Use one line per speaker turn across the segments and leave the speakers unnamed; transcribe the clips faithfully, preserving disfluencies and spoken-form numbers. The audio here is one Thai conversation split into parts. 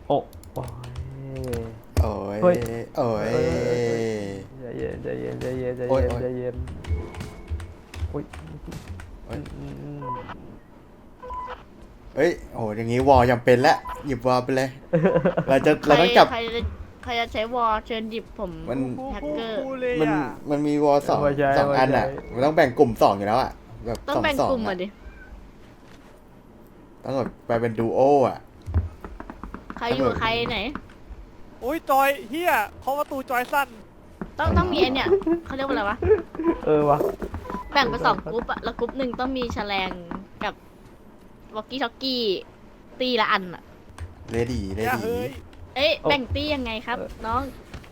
โอ้โอ้ย
โอ้ย
เฮ้ย
โอ้ย
ใจเย็นใจเย็นใจเย็นใจ
โอ้ย
เย็น
โอ้ย
ใจเย็นโอ้ย
โอ้ย
อืม
เฮ้ยโอ้โหอย่างงี้วอลจำเป็นแล้วหยิบวอลไปเลย เราจะ
ใคร
เราต้องจับ
ใครจะใครจะใช้วอลเชิญหยิบผม
มัน
แฮกเกอร์
เลย
มัน
อ่ะ
มันมีวอลสอง
เามาใช้
สอง
เามา
อันอ่ะ
ใช้
มันต้องแบ่งกลุ่มสองอยู่แล้วอ่ะแบบ
ต้อง
สอง
แบ่ง
สอง
กลุ่มมา
อ่ะ
ดิ
ต้องแบบไปเป็นดูโออ่ะ
ใครอยู่กับใครไหน
โอ้ยจอยเฮียเขาะประตูจอยสั้น
ต้องต้องมีไอเนี่ยเขาเรียกว่าอะไรวะ
เออวะ
แบ่งเป็นสองกรุ๊ปอะแล้วกรุ๊ปหนึ่งต้องมีแฉลงกับวอกกี้ท็อกกี้ตีละอันอะ
เลดี้เล
เนี่ย
ดี้
เฮ้ย
เอ๊ะแบ่งตียังไงครับ น้อง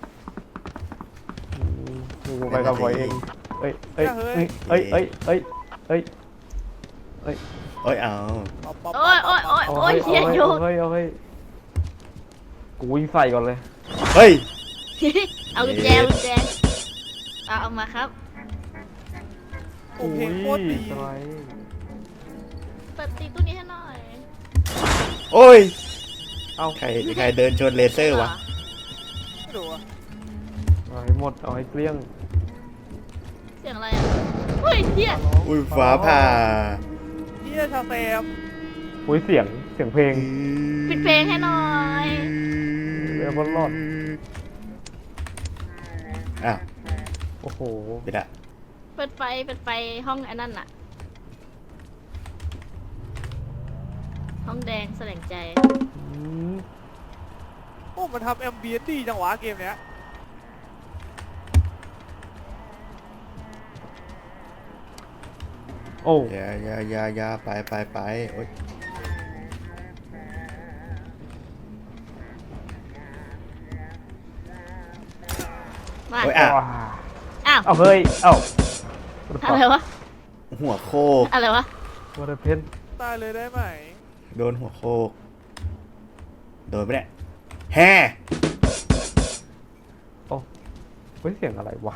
อืมกูไปกับไว้เองเอ้ยเอ้ยเอ้ยเอ้ยเอ้ยเอ้ยเอ้ยเอ้ย
โอ้ยเอา
ป๊อปป๊อป
โอ้ยโอ้ยโอ้ย
เอา
โอ้ย
ให้
เฮีย
เอา
โย
ให้
ก
เอาให้เอาให้กูวิ่งใส่ก่อนเลย
เฮ้ย
เอากุญแจกุญแจเอาเอามาครับ
โอ้เพลงโคตรดี
สไลด์
เปิดตีตู้นี้ให้หน่อย
โอ้ย
เอา
ใครใครเดินชนเลเซอร์วะ
ไม่รู้อะ
เอาให้หมดเอาให้เกลี้ยง
เสียงอะไรอะเฮ้ยเฮีย
อุ้ยฟ้าผ่า
เฮียชาแซม
อุ้ยเสียงเสียงเพลง
ปิดเพลงให้หน่อย
เรือบนรอด
อ้าว
โอ้โห
ปิดละ
เปิดไฟเปิดไฟห้องไอ้นั่นอะห้องแดงแสดงใจ
อืม
โอ้มันทำแอมเบียนดีจังหวะเกมเนี้ย
โอ้
อย่าอย่าอย่าอย่าไปไปไปโอ้ย
มา
โอ้ยอ่ะ
ว้า
อ้าว
เอาเฮ้ย เอ้า
อะไรวะ
หัวโคก
อะไรวะ
วัตเพน
ตายเลยได้ไหม
โดนหัวโคกโดนไปเนี่ยแฮ่
โอ้เฮ้ยเสียงอะไรวะ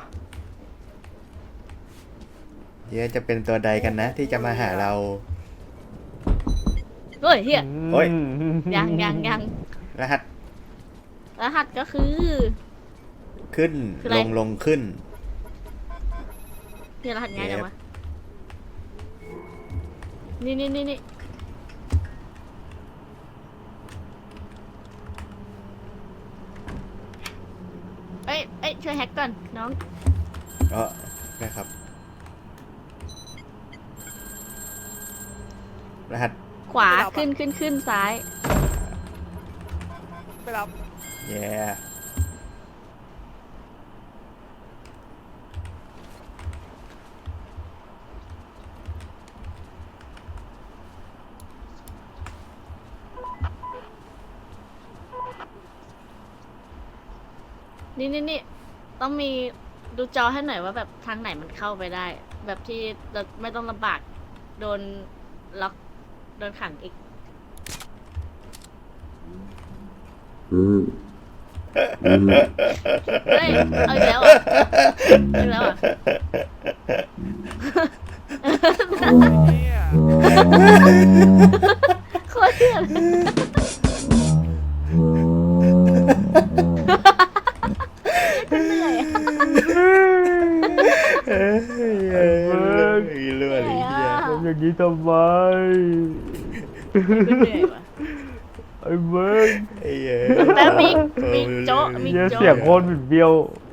เดี๋ยวจะเป็นตัวใดกันนะ ที่จะมาหาเรา
เฮ้ยเฮีย
โอ้ย
ยังยังยัง
รหัส
รหัสก็คือ
ขึ้น
คืออะไร
ลงลงขึ้น
เนี่ยรหัสง่ายจังวะนี่นี่นี่นี่เอ้ยเอ้ยช่วยแฮกก่อนน้อง
เออนะครับ รหัส
ขวาขึ้นขึ้นขึ้นซ้าย
ไปรับ
แย่
นี่นี่นี่ต้องมีดูจอให้หน่อยว่าแบบทางไหนมันเข้าไปได้ แบบที่เราไม่ต้องลำบากโดนล็อกโดนขังอีก เฮ้ยเอาอีกแล้วเหรอ่ะเอาอีกแล้วเหรอ่ะ
เฮีย
โคตรเหี้ยเลยเหนื่อยอะ
เอ้ยเอ้ยเลื่อนเลยเหี้ย
ทำอย่างนี้ทำไม
เหนื่อยว่ะ
ไอ้เบิร์
ไอ้เหี้ย
แล้วมี
เออ
มีโจ๊ะมี
เหี้ย
โจ๊ะ
เสียงโคตรบิดเบี้ยว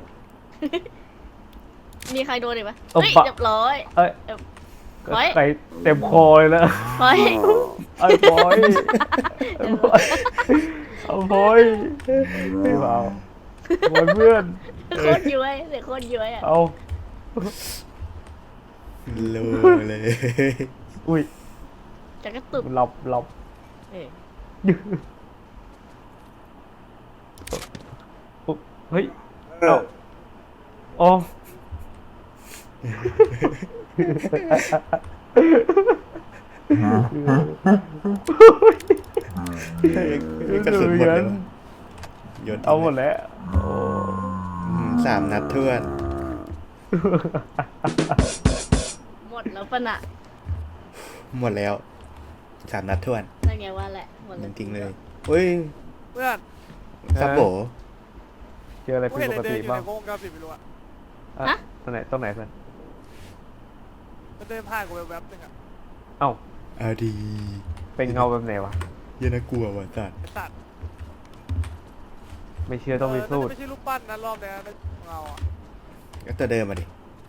มีใครโดนอีกปะ
เอา
เฮ้ย
ปะ
เรียบร้อย
เอ้ย
เฮ้ย
ไก่เต็มคอเลยนะ
เฮ้ย
ไอ้บอยไอ้บอยเอาบอยไม่เปล่าบอยเพื่อน
โคตรย้วยเสียงโคตรย้วยอ่ะ
เอา
รู้เลย
อุ้ย
จะกระตุก
หลับหลับ
เออ
เฮ้ยเอาโอ้
กระสุนหมดเลยวะโยนทิ้ง
เอาหมดแล้ว
อืมสามนัดทวน
หมดแล้วปะน่ะ
หมดแล้วสามนัดทวน
นั่นไงว่าแหละหมด
จ
แล้ว
ริงๆเลยเฮ้ย
เพื่อน
ซับโบ
เจออะไร
กู
ผิด
เห็น
ป
ไอ้
ก
เดิ
ติ
นอยู่
บ้าง
ในวงกราฟิกไม่รู้อะ
อ่ะตรงไหนตรงไหนเพื่อน
มันเดินผ่านกูไปแวบนึงอะ
เอ้า
อาดี
เป็นเงาแบบไหนวะ
เหี้ยันน่ากลัวว่ะสัตว์
ไอ้สัตว์
ไม่เชื่อต้องพิสูจน์
ไม่ใช่รูปปั้นนะรอบเนี้ยนะเงาอะ
ก็ตัวเดิมมาดิ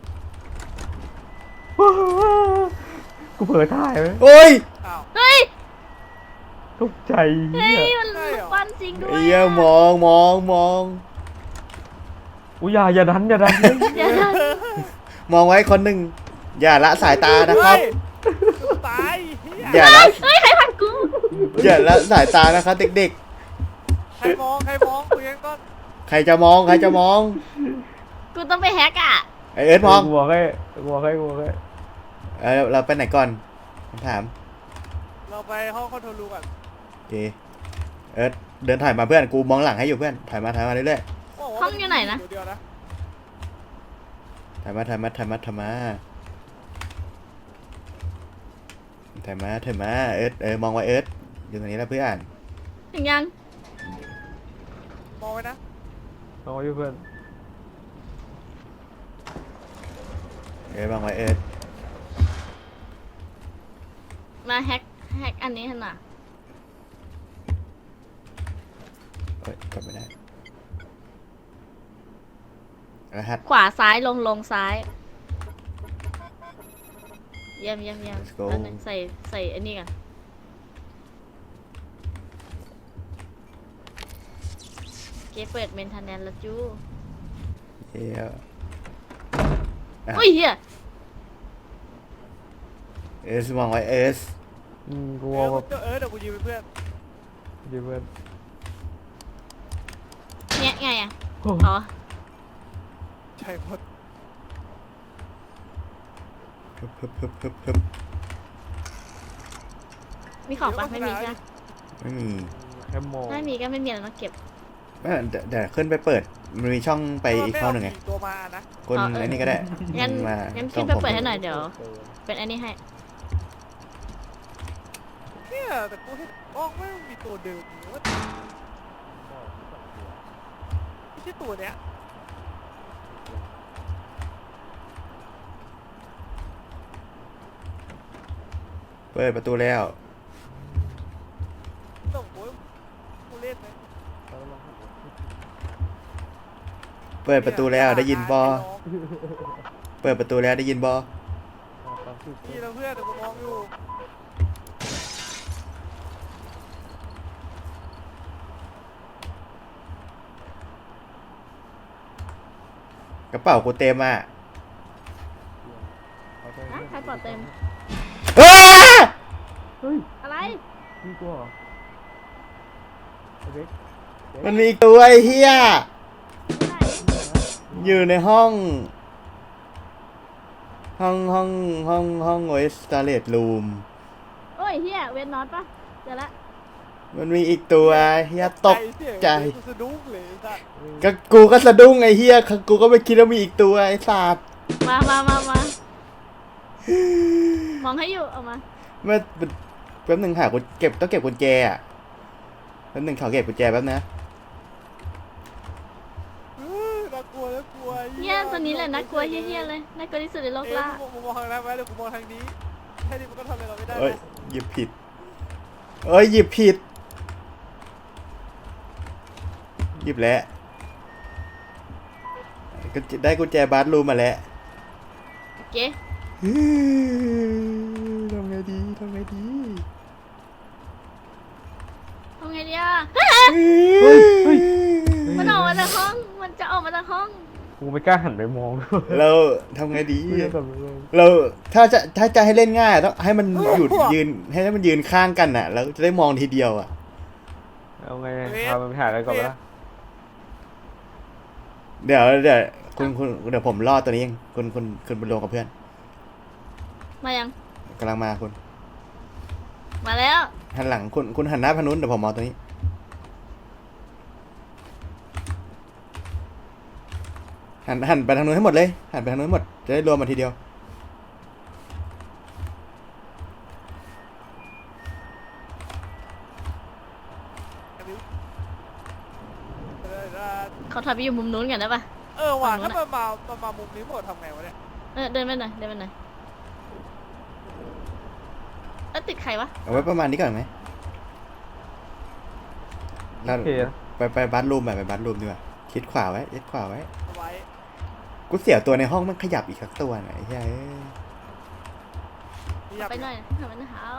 กูเผลอถ่ายไหม
โอ้ย
อ้าว
เฮ้ย
ตกใจ
เฮ้
เหี้
ย
ย
มัน
ใช่เหรอ
ปั้นจริงด้วย
ไอ้เหี้ยมองมองมอง
อุ้ยอย่าอย่าดันอย่าดัน
เดี๋ยวนะ
มองไว้คนหนึ่งอย่าละสายตานะครับ
เฮ้ยกูตายเหี้ย
อย่าละ
เฮ้ยใครพันกู
อย่าละสายตานะครับเด็ก
ใครมองใครมองคุยกันก่อน
ๆ ใครจะมองใครจะมอง
กูต้องไปแฮกอ่ะ
ไอเอิร์ธมอง
กูบอกให้กูบอกให้กูบอกให้
เออเราไปไหนก่อนผมถาม
เราไปห้องคอนโทรลรูมก่อน
โอเคเอิร์ธเดินถ่ายมาเพื่อนกูมองหลังให้อยู่เพื่อนถ่ายมาถ่ายมาเรื่อย
บอกว่า
ห้องอยู่ไหนนะ
เดี๋ยวๆนะ
ๆถ่ายมาถ่ายมาถ่ายมาถ่ายมาถ่ายมาถ่ายมาเอิร์ธเออมองไว้เอิร์ธอยู่ตรงนี้แล้วเพื่อน
ถึงยัง
มองไว้นะ
เอาไว้เพื่อน
เออมองไว้เอิร์ธ
มาแฮกแฮกอันนี้ให้หน่อย
เอ้ยกดไม่ได้รหัส
ขวาซ้ายลงลงซ้าย เยี่ยมเยี่ยมเยี่ยม
Let's go
อันนึงใส่ใส่อันนี้กันเกเปิดเมนทานแนนแล้วจู้
เอ้ยอ่ะ
อุ้ยเฮีย
เอสมองไว้เอส
อืมกู
เอ
ว่า
อ
แบบ
เออเดี๋ยวกูยืมเป็นเพื่อน
ดีเพื่อน
เนี่ยไงอ่ะ
โอ้
อ๋อ
ใช่หมด
ฮึบฮึบฮึบฮึบฮึบ
มีของปะไม่มีจ้ะ
ไม่มี
แค่มอง
ไม่มีก็ไม่มีแล้วต้องเก็บ
เอ้ยเดี๋ยวเดี๋ยวขึ้นไปเปิดมันมีช่องไปอีกช่องหนึ่งไง
ม่เาผีตัวมานะ
คน
อ๋อเออ
ไอ้นี่ก็ได้
งั้น
มา
งั้น
ช่
ขึ้
อน ง
ไป
ผม
เปิดให้หน่อยเดี๋ยว เป็นอันนี้ให้
เนี่ยแต่กูเห็นกล้องไม่มีตัวเดิมอยู่ว่าไม่ใช่ตัวเนี้ย
เปิดประตูแล้ว
ต้องโอ้ยกูเล่นไหม
เปิดประตูแล้วได้ยินบอ
ไน้ง
เปิดประตูแล้วได้ยินบอ
นี่เราเพื่อนแต่กูมองอยู่
กระเป๋ากูเต็มอ่ะ
นะใครปลอดเต็ม
อ้า
เฮ้ย
อะไร
นี่กูเหรอโอเค
มันมีอีกตัวไอ้เหี้ย
ไหน
อยู่ในห้อง ห้องห้องห้องห้องโอเอสตาเลตรูม
โอ้ยเฮียเวนนอตปะเจอละ
มันมีอีกตัวเฮียตก
เสียง
ใจ
กูสะดุ้งเลยไอ้สัตว์
ก็กูก็สะดุ้งไอ้เฮียกูก็ไม่คิดว่ามีอีกตัวไอ้สัตว์
มามามา มา มองให้อยู่ เอามา
เมื่อแป๊บหนึ่งหากุญเก็บต้องเก็บกุญแจอ่ะแป๊บหนึ่งขอเก็บกุญแจแป๊บนะ
เฮ้ยน่ากลัวน่ากลัว
เนี่ยตัวนี้แหละน่ากลัวเฮี้ยๆเลย น่ากลัวที่สุดในโลก
เอ้ย
ล่า
กูมองทางนั้นไว้เดี๋ยวกูมองทางนี้แค่นี้มันก็ทำอะไรเราไม่ได้
เอ้ย
นะ
หยิบผิดเอ้ยหยิบผิดหยิบแล้วก็ได้กุญแจบาร์รูมมาแล้ว
โอเค
ทำไงดีทำไงดี
ทำไงดีอ่ะ
เฮ้ยเฮ้ย
มันออกมาจากห้อง มันจะออกมาจากห้อง
กูไม่กล้าหันไปมอง
เราทำไงดี
กูจะแบบไปมอง
เราถ้าจะถ้าจะให้เล่นง่ายต้องให้มันหยุดยืนให้มันยืนข้างกันอ่ะ แล้วจะได้มองทีเดียวอ่ะ
เอาไงพามันไปหาอะไรก่อนวะ
เดี๋ยวเดี๋ยวคุณคุณเดี๋ยวผมรอดตัวนี้เองคุณคุณคุณไปลงกับเพื่อน
มายัง
กำลังมาคุณ
มาแล้ว
หันหลังคุณคุณหันหน้าพนุนเดี๋ยวผมมองตัวนี้ หันหันไปทางนู้นให้หมดเลยหันไปทางนู้นให้หมดจะได้รวมมาทีเดียว
เขาถอยไปอยู่มุมนู้นกันได้ปะ
เออว่ะ
ฝั่
ถ้าง
นู้
มัน นมามันมามุมนี้หมดทำไงวะเนี่ย
เออเดินไปหน่อยเดินไปหน่อยแล้วติดใครวะ
เอาไว้ประมาณนี้ก่อนไหมแล้ว
โอเค
ไปไปบัตรูมไปไปบัตรูมดีกว่าคิดขวาไว้คิดขวาไว้
เอาไว้
กูเสียวตัวในห้องมันขยับอีกสักตัวหน่อยเฮ้ย
อยาก
ไปหน่อยทำไมนะครับ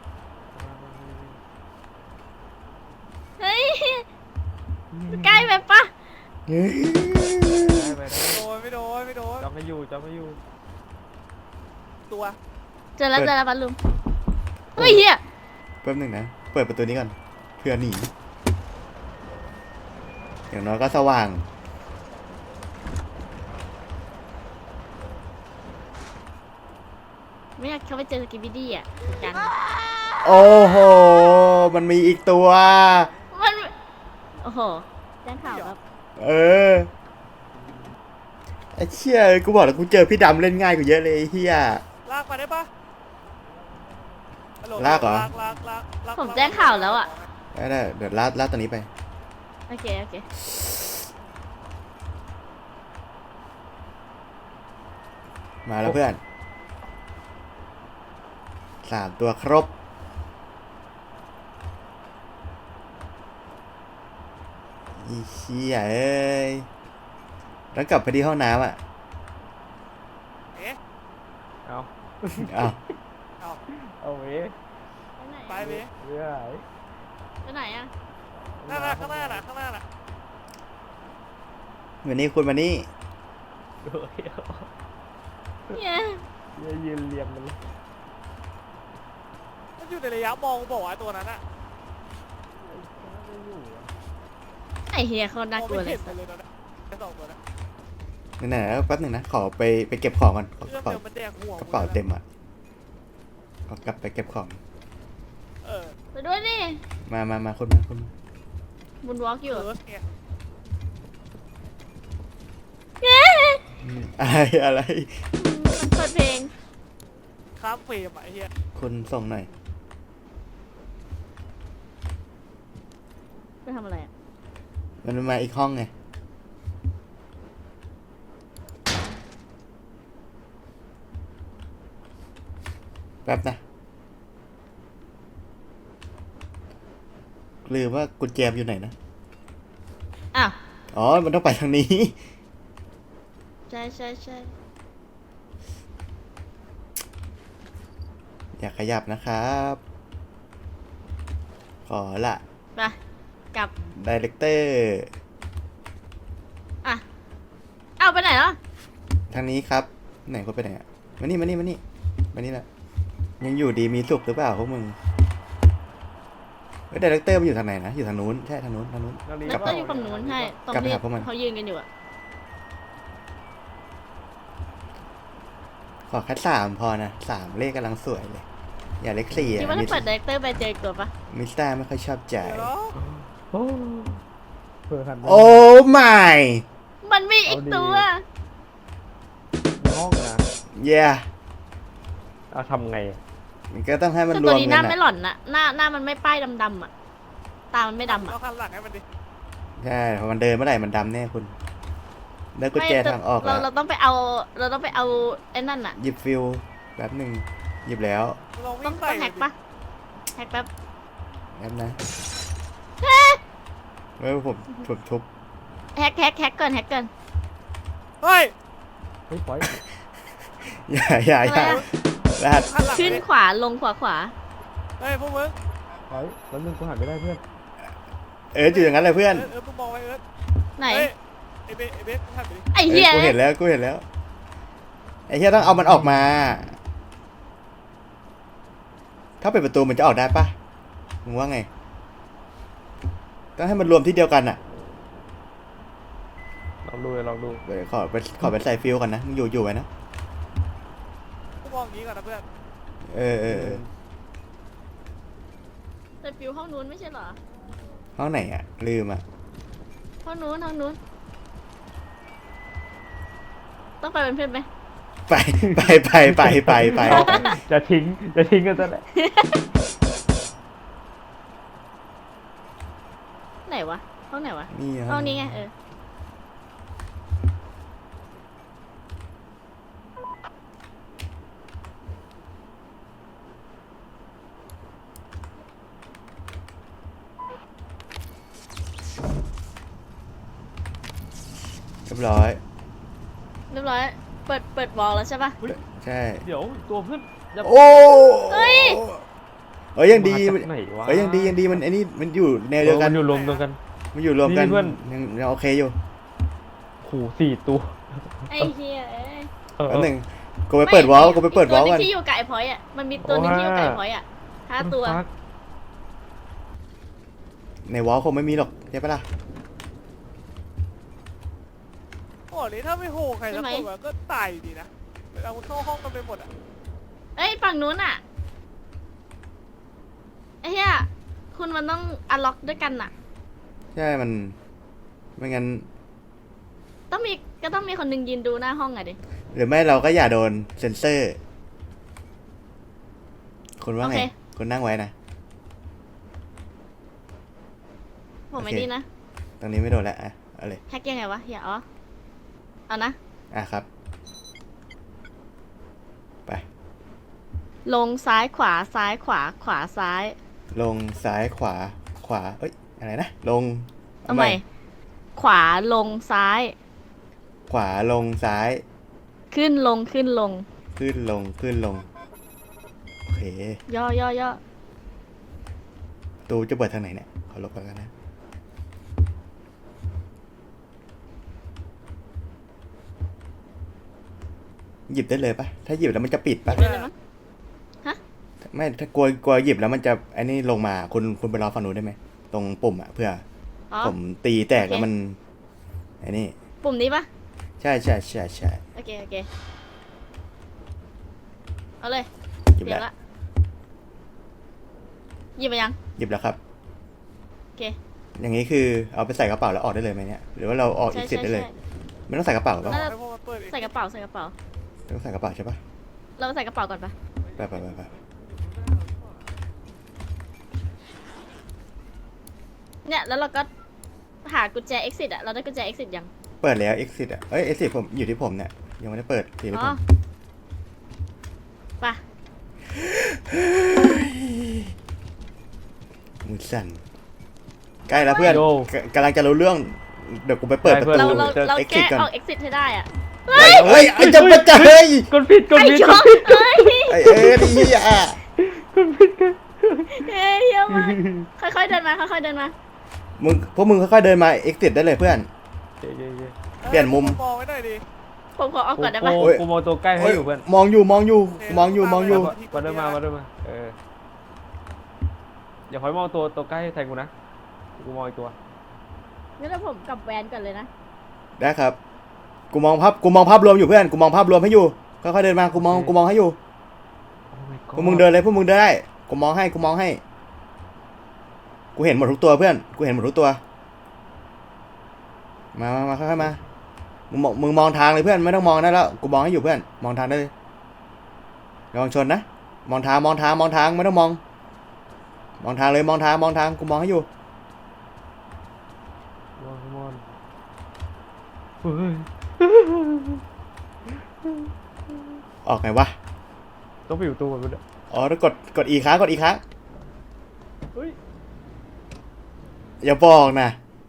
เฮ้ยใกล้ไปปะ
เฮ้ย
ได้ไปได้
โดนไม่โดนไม่โดน
จำไม่อยู่จำไม่อยู่
ตัว
เจอแล้วเจอแล้วบัลลุมเฮ้ยเฮีย
แป๊บหนึงนะเปิดประตูนี้ก่อนเพื่อหนีอย่างน้อยก็สว่าง
ไม่อยากเข้าไปเจอสกิบบิดี้อ่ะกัน
โอ้โหมันมีอีกตัว
มันโอ้โหแจ้งข่าวครับ
เออไอ้เชี่ยกูบอกแล้วกูเจอพี่ดำเล่นง่ายกว่าเยอะเลยไอ้เฮีย
ลากมาได้ปะฮัโ
ลากเหรอ
ลากลากลากลาก
ผมแจ้งข่าวแล้วอ่ะ
ได้ได้เดี๋ยวลาดลาดตัวนี้ไป
โอเคโอเค
มาแล้วเพื่อนสามตัวครบอีเชี่ยเอ้ยแล้วกลับไปที่ห้องน้ำอ่ะ
เอ๊ะ
เอา
อ้าว
เอา
เอาเว้ย
ไปไหน
ไป
อะ
เว้ย
เรื่อย
ไปไหนอ่ะ
ข้างหน้าข้างหน้าน่ะข้างหน้าน่ะ
วันนี้คุณมานี่
โอ้ย
เนี่ย
เดี๋ยวยืนเรียงกันเลย
มันอยู่ในระยะมองบอกว่าตัวนั้นอะ
ไม่อยู่อะ
ไอเฮียเขาน่าม
อง
กลัว
ไม่
เล
เห็
ย
นเลยตอนนั้นไอ้สองตัวนั้น
ไหนๆแล้วแป๊บหนึ่งนะขอไปไปเก็บของก่อนก
เรื่อง
ระเป๋า
เดิมมันแดงหัว
กระเป๋าเต็มอ่ะขอกลับไปเก็บของ
เออ
ไปด้วยดิ
มามามาคุณมาคุณมา
บุญวอล์กอยู่
เออเนี่ย
เย้
อะไรอะไร
มันเปิดเพลง
ข้ามเฟรมอะไอ้เหี้ย
คุณส่งหน่อย
ไปทำอะไรอ่ะ
มันมาอีกห้องไงแป๊บนะลืมว่ากุญแจอยู่ไหนนะ
อ้าว
อ๋อ มันต้องไปทางนี้
ใช่ใช่ใช่
อย่าขยับนะครับ ขอละ
ไปกลับ
ดีเรคเตอร์
อ่ะเอาไปไหนแล้ว
ทางนี้ครับ ไหนคนไปไหนอ่ะ มานี่มานี่มานี่มานี่แหละ ยังอยู่ดีมีสุขหรือเปล่าพวกมึงเฮ้ยดีเรคเตอร์มันอยู่ทางไหนนะ อยู่ทางนู้น ใช่ทางนู้นทางนู้น
นักเรียน
แล้วก็อยู่ฝั่งนู้นใช่ตรง
กลับไป
ที่
หาพวกมัน
เขายืนกันอยู่อ่ะ
ขอแค่สามพอนะสามเลขกำลังสวยเลย อย่าเลขสี่
คิด
อ่ะ
ว่า
มิ
ถ้าเปิดดีเรคเตอร์ไปเจอตัวปะ
มิสเตอร์ไม่ค่อยชอบใจ
เดี๋ยวเนาะ
โอ้เผื่อหันไป
โอ้ไม่
มันมีอีกตัว
ในห้องนะ
เย่
เอาทำไงอะ
มันก็ต้องให้มัน
แต่
ร
ตัว
วม
นี้ห
กั
น้าน ไม่
อ่ะ
หล่อนนะหน้าหน้ามันไม่ป้ายดำๆอ่ะ ตามันไม่ดำอ่ะ
เราคันหลังให้มันดิ
ใช่พอมันเดินเมื่อไหร่มันดำแน่คุณได้กุญแจทางออก
เรา
แล้ว
เราต้องไปเอา เราต้องไปเอาไอ้นั่นอ่ะ
หยิบฟิวแป๊บหนึ่งหยิบแล้ว
ลอง
ต้
วิ่
อง
ง
ต้
ใส่
องแฮกปะแฮกแป๊บ
แป๊บนะเฮ้ยผมผมทุบ
แฮกแฮกแฮกก่อนแฮกก่อน
เฮ้ย
เฮ้ยปล่อย
อย่าอย่าอย่า
อะไรอะ
รหัส
คันหลัง
ขึ้น
ดิ
ขวาลงขวาขวา
เฮ้ยพวกมึง
ปล่อยแล้วนึงกูหันไม่ได้เพื่อน
เอิร์ธอยู่อย่างนั้นเลยเพื่อน
เออเออมึงมองไว้เอิร์ธ
ไหน
เฮ้ยไอ้เบสไอ้เบสมึงหันไปดิ
ไอ้
เอ้
เหี้
ย
ย
กูเห็นแล้วกูเห็นแล้วไอ้เหี้ยต้องเอามันออกมา ถ้าเปิดประตูมันจะออกได้ปะมึงว่าไง ต้องให้มันรวมที่เดียวกันอ่ะ
ลองดูเลยลองดู
เดี๋ยวขอไปขอไปใส่ฟิวก่อนนะมึงอยู่อยู่ไว้นะ
กูมองอย่างนี้ก่อนนะเพื่อน
เออเออเออ
แต่ฟิวห้องนู้นไม่ใช่เหรอ
ห้องไหนอ่ะลืมอ่ะ
ห้องนู้นห้องนู้น ต้องไปเป็นเพื่อนไหม
ไปไปไปไปไปไป
จะทิ้งจะทิ้งกันซะแหละ
ไหนวะ ห้องไหนวะ
นี่
ห้องนี้ไงเออ
บร้อย
เรียบร้อยเปิดเปิดวอลแล้วใช่ปะ
ใช่
เดี๋ยวตัวเพื่อนจะ
โอ้
เฮ้ย
เอ้ยยังดี
มาจากไหนวะ
เอ้ยยังดียังดีมันไอ้นี่มันอยู่แนวเดียวกัน
มันอยู่รวมตัวกัน
มันอยู่รวมกัน
นี่เพื่อน
ยังยังโอเคอยู่
ขู่สี่ตัว
ไอ้เฮียเอ้ย
เออ
แป๊บหนึงกูไปเปิดวอลกูไปเปิดวอล
ตัวห
กั
นึ
น
งที่อยู่กับไอ้พอยต์อ่ะมันมีตัวหนึงที่อยู่กับไอ้พอยต์อ่ะห้าตัว
ฟัก
ในวอลคงไม่มีหรอกใช่ปะล่ะ
โอ้นี่ถ้าไม่โหใครสักคนแบบก็ตายอยู่ดีนะเวลามันเข้าห้องกันไปหมดอ่ะ
เอ้ยฝั่งนู้นอ่ะไอ้เฮียคุณมันต้องอัลล็อกด้วยกันน่ะ
ใช่มันไม่งั้น
ต้องมีก็ต้องมีคนหนึงยืนดูหน้าห้องอะดิ
หรือไม่เราก็อย่าโดนเซ็นเซอร์ คุณว่าไง
โอเค
คุณนั่งไว้นะ
ผมไม่
โอเค
ดีนะ
ตรงนี้ไม่โดนแล้วอ่ะเอาเลย
แฮกยังไงวะเฮียอ๋อเอานะ
อ่ะครับ ไป
ลงซ้ายขวาซ้ายขวาขวาซ้าย
ลงซ้ายขวาขวาเอ้ยอะไรนะลง
เอาใหม่ขวาลงซ้าย
ขวาลงซ้าย
ขึ้นลงขึ้นลง
ขึ้นลงขึ้นลงโอเค
ย่อย่อย่อ
ประตูจะเปิดทางไหนเนี่ยขอลบก่อนนะหยิบได้เลยปะถ้าหยิบแล้วมันจะปิดปะ
ได้เลยมั้ง
ไม่ถ้ากลัวกลัวหยิบแล้วมันจะไอ้นี่ลงมาคุณคุณไปรอฝั่งนู้นได้ไหมตรงปุ่มอ่ะเพื่อ
อ๋อ
ผมตีแตก
โอเค
แล้วมันไอ้นี่
ปุ่มนี้ปะ
ใช่ใช่ใช่ใช่
โอเคโอเคเอาเลย
หยิบ
เดี๋ย
แล้ว
วละหยิบมายัง
หยิบแล้วครับ
โอเค
อย่างนี้คือเอาไปใส่กระเป๋าแล้วออกได้เลยไหมเนี่ยหรือว่าเราออกอี
ใช่
กสิท
ใช่
ธิ์ได้เลย
ใช่
ไม่ต้องใส่กระเป๋าหรอ
น่า
ให้พวกมันเปิดเอง
ใส่กระเป๋าใส่กระเป๋า
ต้องใส่กระเป๋าใช่ปะ
เราใส่กระเป๋าก่อนปะ
ไปไปไปไป
เนี่ยแล้วเราก็หากุญแจ exit อะเราได้กุญแจ exit ยัง
เปิดแล้ว exit อ่ะเอ้ย exit ผมอยู่ที่ผมเนี่ยยังไม่ได้เปิดทีละผ
อ๋อ
ม
ไปะ
มือสั่นใกล้แล้วเพื่อน
โย
กกำลังจะรู้เรื่องเดี๋ยวกูไปเปิดประตู
เราเราเรา
exit
แก้
ก่อน
ออก exit ให้ได้อะ
เฮ้ยเฮ้ยไอ้จะมาจะเฮ้ย
กดผิดกด
ไอ้
ผิด
ช
ก
อ
ดผิด
เฮ้ย
ไอ้เอ้ยนี่อ่ะ
กดผิดกัน
เฮ้ยเยอะมากค่อยๆเดินมาค่อยๆเดินมา
มึงพวกมึงค่อยๆเดินมา exit ได้เลยเพื่อน
เย้เย้เย้
เปลี่ยนมุม
มองไว้หน่อยดิ
ผมขอออก
กู
ก่อนได้ปะ
กู
โอ้ย
กูมองตัวใกล้ให้อยู่เพื่อน
มองอยู่มองอยู่มองอยู่มองอยู่
มาเดินมามาเดินมาเอออย่าคอยมองตัวตัวใกล้แทนกูนะกูมองอีกตัว
งั้นเดี๋ยวผมกลับแวนก่อนเลยนะ
ได้ครับ กูมองภาพกูมองภาพรวมอยู่เพื่อน กูมองภาพรวมให้อยู่ ค่อยๆเดินมา กูมอง กูมองให้อยู่
Oh my
พวกมึงเดินเลยพวกมึงเดินได้ กูมองให้ กูมองให้ กูเห็นหมดทุกตัวเพื่อน กูเห็นหมดทุกตัว มามามาค่อยๆมา มึงมองมึงมองทางเลยเพื่อน ไม่ต้องมองได้แล้ว กูมองให้อยู่เพื่อน มองทางได้เลยระวังชนนะ มองทาง มองทาง มองทาง ไม่ต้องมอง มองทางเลย มองทาง มองทาง กูมองให้อยู่
มองมองเฮ้ย
ออกไงวะ
ต้องไปอยู่ตัวมันด้วย
อ๋อแล้วกด กดอีกครั้ง กดอีกครั้ง
เฮ้ย
อย่าบอกนะ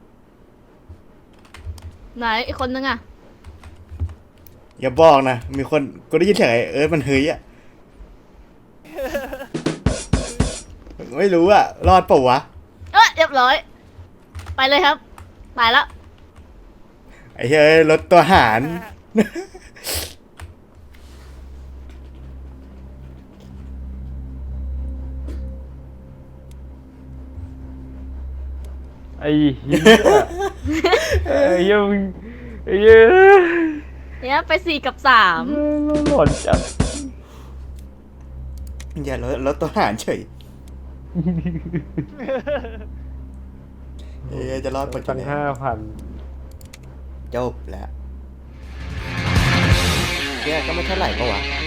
ไหนอีกคนนึงอะ
อย่าบอกนะ มีคน กูได้ยินเสียงไอ้เอิร์ธมันเฮ้ยอะ ไม่รู้อะรอดเปล่าวะ
เอ้ยเรียบร้อย ไปเลยครับตายแล้ว
ไอ้เฮ้ยรถตัวหาร
ไอ้เหี้ยไอ้เหี้ยมึงไอ้เหี้ย
เนี่ยไปสี่กับสาม
หลอนจัด
อย่ารถรถตัวหารเฉยเอ้ยจะรอดปะ
ตั้งห้าพัน
จบแล้วแกก็ไม่เท่าไหร่ปะวะ